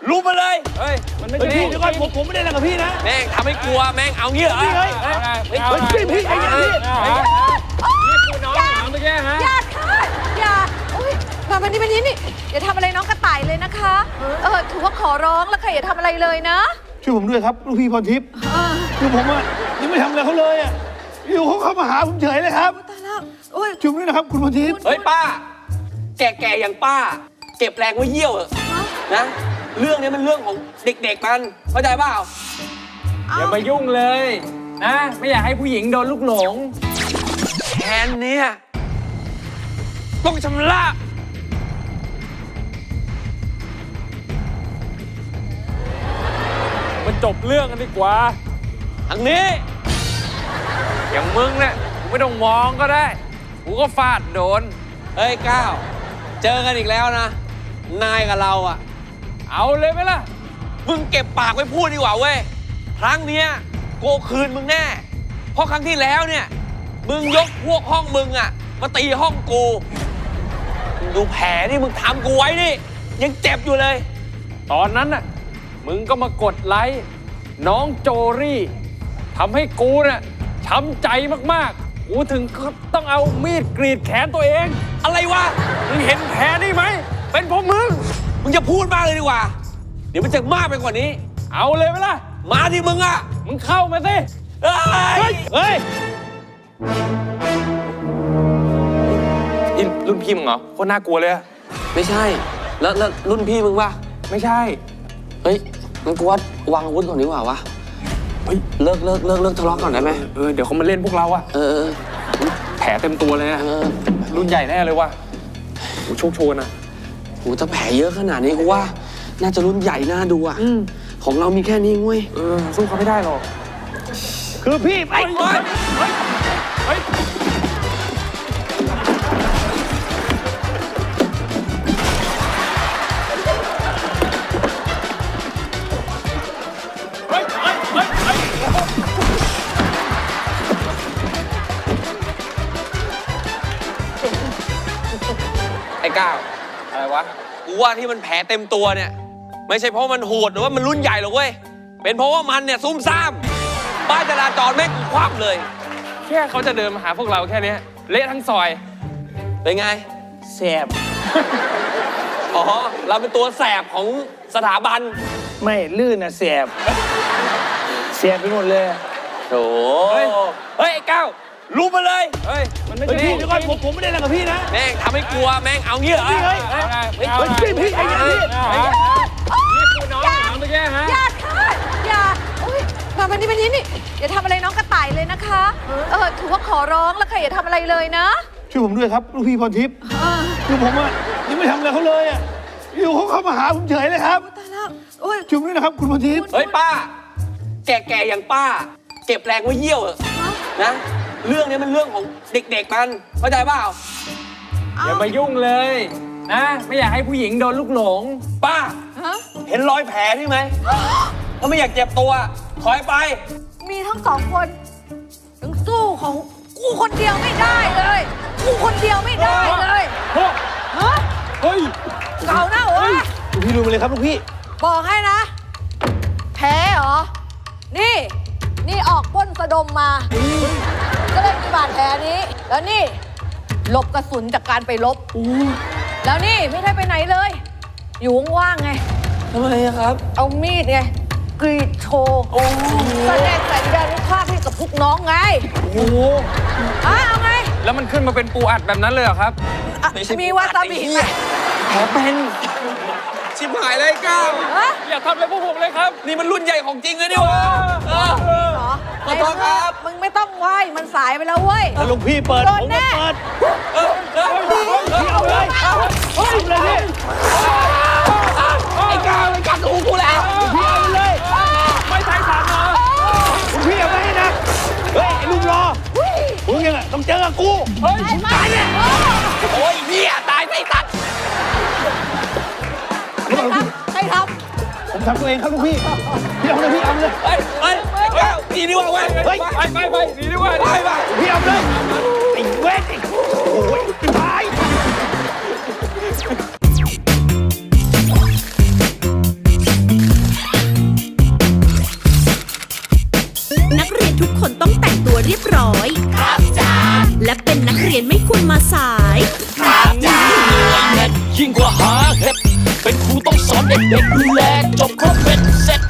รู้มาเลยเฮ้ยมันไม่ใช่พี่เดี๋ยวก่อนผมไม่ได้อะไรกับพี่นะแม่งทำให้กลัวแม่งเอางี้เหรอพี่เฮ้ยพี่ไอ้เนี่ยพี่นี่คือน้องหมาเมื่อกี้ฮะอย่าค่ะอย่าอุ้ยมาวันนี้นี่อย่าทำอะไรน้องกระต่ายเลยนะคะถือว่าขอร้องแล้วค่ะอย่าทำอะไรเลยนะช่วยผมด้วยครับลูกพี่พรทิพย์คือผมอ่ะยังไม่ทำอะไรเขาเลยอ่ะอยู่เขาเข้ามาหาผมเฉยเลยครับตายแล้วโอ้ยช่วยผมด้วยนะครับคุณพรทิพย์เฮ้ยป้าแก่ๆอย่างป้าเก็บแรงไว้เยี่ยวนะเรื่องนี้มันเรื่องของเด็กๆมันเข้าใจเปล่าอย่ามายุ่งเลยนะไม่อยากให้ผู้หญิงโดนลูกหลงแทนเนี่ยต้องชำระมันจบเรื่องกันดีกว่าทางนี้อย่างมึงเนี่ยกูไม่ต้องมองก็ได้กูก็ฟาดโดนเฮ้ยก้าวเจอกันอีกแล้วนะนายกับเราอะเอาเลยไหมล่ะมึงเก็บปากไว้พูดดีกว่าเว้ยครั้งเนี้ยโกคืนมึงแน่เพราะครั้งที่แล้วเนี่ยมึงยกพวกห้องมึงอะมาตีห้องกูดูแผลที่มึงทำกูไว้นี่ยังเจ็บอยู่เลยตอนนั้นน่ะมึงก็มากดไลค์น้องโจรี่ทำให้กูเนี่ยช้ำใจมากๆกูถึงต้องเอามีดกรีดแขนตัวเองอะไรวะมึงเห็นแผลนี่ไหมเป็นเพราะมึงจะพูดมากเลยดีกว่าเดี๋ยวมันจะมากไปกว่านี้เอาเลยไหมล่ะมาที่มึงอ่ะมึงเข้ามาสิเฮ้ยนี่รุ่นพี่มึงเหรอโคตรน่ากลัวเลยไม่ใช่แล้วรุ่นพี่มึงป่ะไม่ใช่เฮ้ยงั้นกูว่าวางอาวุธก่อนดีกว่าวะเฮ้ยเลิกทะเลาะก่อนได้ไหมเดี๋ยวเขามาเล่นพวกเราอะแผลเต็มตัวเลยอะรุ่นใหญ่แน่เลยว่ะกูโชคโชนอะโหถ้าแผลเยอะขนาดนี้กูว่าน่าจะรุ่นใหญ่น่าดูอะของเรามีแค่นี้เว้ยสู้เขาไม่ได้หรอกคือพี่ไปเฮ้ยไอ้ก้าวอะไรวะกูว่าที่มันแผลเต็มตัวเนี่ยไม่ใช่เพราะมันโหดหรือว่ามันรุ่นใหญ่หรอกเว้ยเป็นเพราะว่ามันเนี่ยซุ่มซ่ามป้ายจราจรแม่งคว่ำเลยแค่เขาจะเดินมาหาพวกเราแค่นี้เละทั้งซอยเป็นไงแสบอ๋อเราเป็นตัวแสบของสถาบันไม่ลื่นนะแสบไปหมดเลยโถ่เฮ้ยไอ้ก้าวรู้มาเลยเฮ้ยมันไม่ใช่พี่เดี๋ยวก่อนผมไม่ได้อะไรกับพี่นะแม่งทำให้กลัวแม่งเอางี้เหรอพี่เฮ้ยพี่ไอ้เนี่ยพี่นี่คือน้องหมาเมื่อกี้ฮะอย่าค่ะอย่าอุ้ยมาวันนี้นี่อย่าทำอะไรน้องกระต่ายเลยนะคะถือว่าขอร้องแล้วค่ะอย่าทำอะไรเลยนะช่วยผมด้วยครับลูกพี่พรทิพย์คือผมอ่ะยังไม่ทำอะไรเขาเลยอ่ะอยู่เขาเข้ามาหาผมเฉยเลยครับตายแล้วโอ้ยช่วยผมด้วยนะครับคุณพรทิพย์เฮ้ยป้าแก่ๆอย่างป้าเก็บแรงไว้เยี่ยวนะเรื่องนี้มันเรื่องของเด็กๆมันเข้าใจเปล่าอย่ามายุ่งเลยนะไม่อยากให้ผู้หญิงโดนลูกหลงป้าเห็นรอยแผลนี่ไหมถ้าไม่อยากเจ็บตัวถอยไปมีทั้งสองคนยังสู้ของกูคนเดียวไม่ได้เลยกูคนเดียวไม่ได้เลยเฮ้ยเก่าหน้าหัวลูกพี่ดูมาเลยครับลูกพี่บอกให้นะแพ้เหรอนี่ออกป้นสะดมมาก็เลยมีบาดแผลนี้แล้วนี่หลบกระสุนจากการไปลบแล้วนี่ไม่ได้ไปไหนเลยอยู่ว่างๆไงทำไมครับเอามีดไงกรีดโชว์แสดงสัญญาณภาพให้กับพวกน้องไงโอ้โหเอาไงแล้วมันขึ้นมาเป็นปูอัดแบบนั้นเลยเหรอครับมีวาซาบิไหมแผลเป็นชิบหายเลยก้าวอย่าทำอะไรพวกผมเลยครับนี่มันรุ่นใหญ่ของจริงเลยดิวะขอโทษครับมึงไม่ต้องไหวมันสายไปแล้วเว้ยถ้าลูกพี่เปิดผมก็เปิดพี่เอาเลยพี่ไอ้ก้าวไอ้กัดหูกูแล้วพี่เอาเลยไม่ใช่สารเหรอพี่เอาไว้นะเฮ้ยไอ้ลุงรอมึงยังไงต้องเจอกับกูเฮ้ยตายเนี่ยโอ้ยเหี้ยตายไอ้สัตว์ใครทำผมทำตัวเองครับลูกพี่เอาเลยพี่เอาเลยหนีดีกว่าเว้ยไปหนีดีกว่าไปพี่เอาเลยไอ้เว้ยโอ้ยตายทุกคนต้องแต่งตัวเรียบร้อยครับจ้าและเป็นนักเรียนไม่ควรมาสายยิ่งกว่าหาเห็ดเป็นครูต้องสอนเด็กๆดูแลจบครบเป็นเสร็จ